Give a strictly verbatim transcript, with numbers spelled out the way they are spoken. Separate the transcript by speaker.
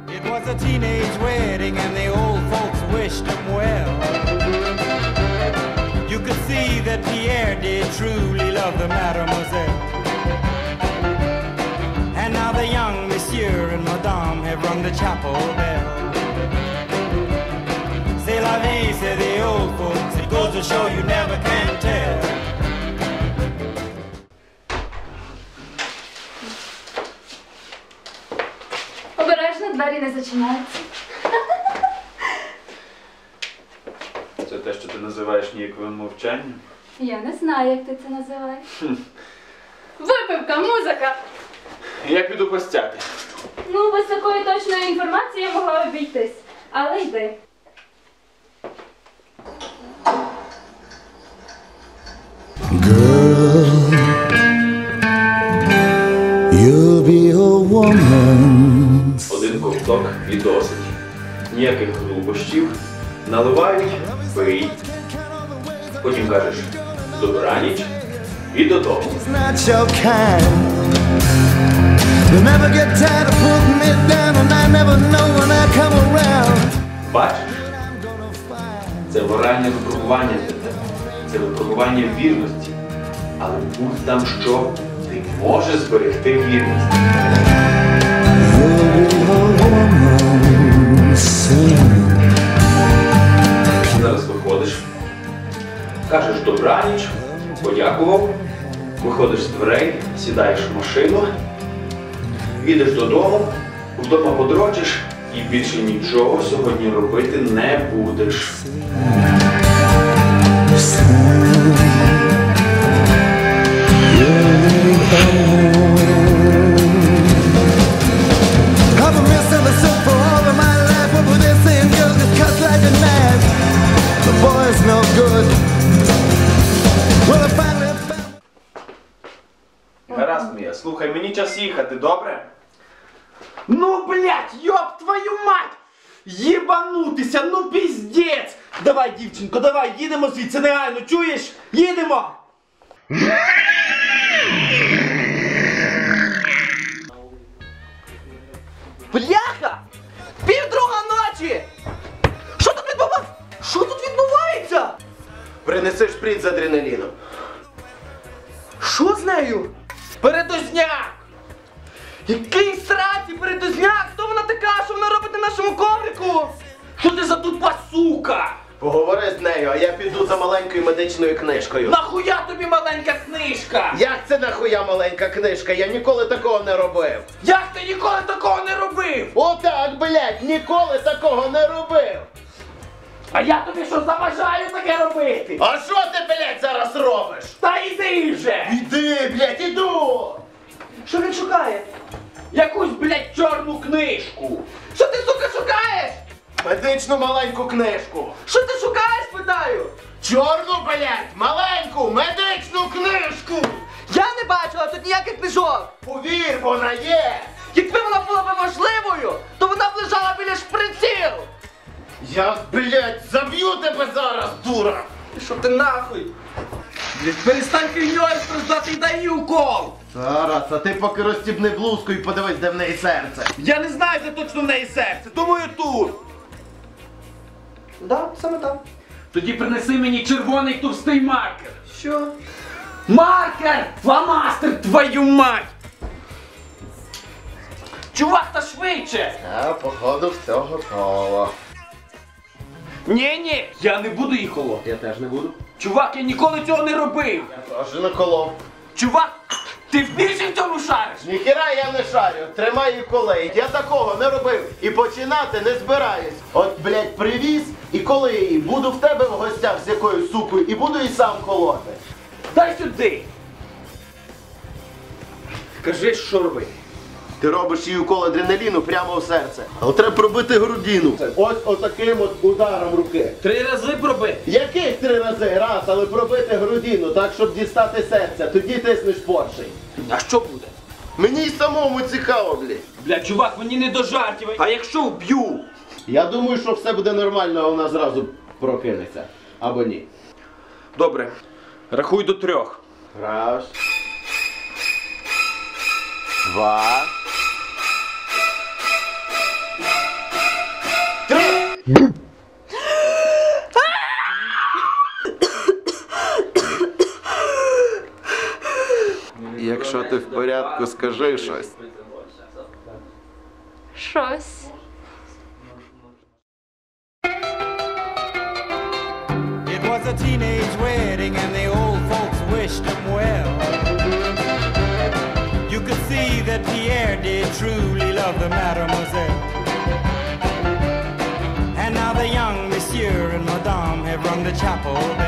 Speaker 1: It was a teenage wedding and the old folks wished him well. You could see that Pierre did truly love the mademoiselle. And now the young monsieur and madame have rung the chapel bell. C'est la vie, say the old folks. It goes to show you never can tell.
Speaker 2: Обережно, двері не зачиняються.
Speaker 3: Це те, що ти називаєш ніяковим мовчанням?
Speaker 2: Я не знаю, як ти це називаєш. Випивка, музика!
Speaker 3: Я піду постяти.
Speaker 2: Ну, без такої точної інформації я могла обійтись. Але йди.
Speaker 4: Girl, you'll be a woman.
Speaker 3: Один ковток і досить. Ніяких глупощів. Наливають, пий. Потім кажеш добраніч і додому.
Speaker 4: Not your kind. You never get tired of putting me down, and I never know when I come around.
Speaker 3: Бачиш? Це моральне випробування для тебе. Це випробування вірності. Але будь там що, ти можеш зберегти вірність.
Speaker 4: You'll be a woman soon.
Speaker 3: Зараз виходиш, кажеш добраніч, подякував, виходиш з дверей, сідаєш в машину, їдеш додому, вдома подрочиш і більше нічого сьогодні робити не будеш. Гаразд, Мія, слухай, мені час їхати, добре?
Speaker 5: Ну, блядь, ёб твою мать! Єбанутися, ну піздець! Давай, дівчинко, давай, їдемо звідси негайно, чуєш? Їдемо! Бляха! Півдруга ночі! Що тут відбувається? Що тут відбувається?
Speaker 6: Принеси шприц з адреналіном.
Speaker 5: Що з нею? Передозняк! Який сраці передозняк? Хто вона така? Що вона робить на нашому коврику? Що ти за тупа сука?
Speaker 6: Поговори з нею, а я піду за маленькою медичною книжкою.
Speaker 5: Нахуя тобі маленька книжка?
Speaker 6: Як це нахуя маленька книжка? Я ніколи такого не робив.
Speaker 5: Як ти ніколи такого не робив?
Speaker 6: Отак, блядь, ніколи такого не робив.
Speaker 5: А я тобі що заважаю таке робити?
Speaker 6: А що ти, блядь, зараз робиш?
Speaker 5: Та йди вже!
Speaker 6: Іди, блядь, іду!
Speaker 5: Що він шукає? Якусь, блядь, чорну книжку! Що ти, сука, шукаєш?
Speaker 6: Медичну маленьку книжку.
Speaker 5: Що ти шукаєш, питаю?
Speaker 6: Чорну, блядь, маленьку медичну книжку.
Speaker 5: Я не бачила тут ніяких книжок!
Speaker 6: Повір, вона є.
Speaker 5: Якби вона була б важливою, то вона б лежала біля шприців!
Speaker 6: Я, блядь, заб'ю тебе зараз, дура.
Speaker 5: Що ти нахуй? Блядь, перестань фігньою страждати і дай їй укол!
Speaker 6: Зараз, а ти поки розстібни блузку і подивись, де в неї серце.
Speaker 5: Я не знаю, де точно в неї серце, думаю тут! Да, саме там. Тоді принеси мені червоний товстий маркер. Що? Маркер! Фломастер, твою мать! Чувак, та швидше!
Speaker 6: А, походу, все готово.
Speaker 5: Ні-ні, я не буду їх колоти.
Speaker 6: Я теж не буду.
Speaker 5: Чувак, я ніколи цього не робив.
Speaker 6: Я теж не колов.
Speaker 5: Чувак, ти більше в цьому шариш?
Speaker 6: Ніхіра я не шарю, тримай її колей. Я такого не робив і починати не збираюсь. От, блядь, привіз і коли її буду в тебе в гостях з якоюсь сукою і буду і сам колоти.
Speaker 5: Дай сюди. Кажи, що робити.
Speaker 6: Ти робиш їй укол адреналіну прямо в серце. Але треба пробити грудину. Ось отаким от ударом руки.
Speaker 5: Три рази проби.
Speaker 6: Яких три рази? Раз, але пробити грудину, так, щоб дістати серця. Тоді тиснеш поршень.
Speaker 5: А що буде?
Speaker 6: Мені й самому цікаво, блядь.
Speaker 5: Бля, чувак, мені не до жартів. А якщо вб'ю?
Speaker 6: Я думаю, що все буде нормально, а вона зразу прокинеться. Або ні.
Speaker 5: Добре. Рахуй до трьох.
Speaker 6: Раз. Два. Якщо ти в порядку, скажи щось.
Speaker 2: Щось.
Speaker 1: It was a teenage wedding and the old folks wished him well. You could see that Pierre did truly love the mademoiselle. And now the young monsieur and madame have rung the chapel bell.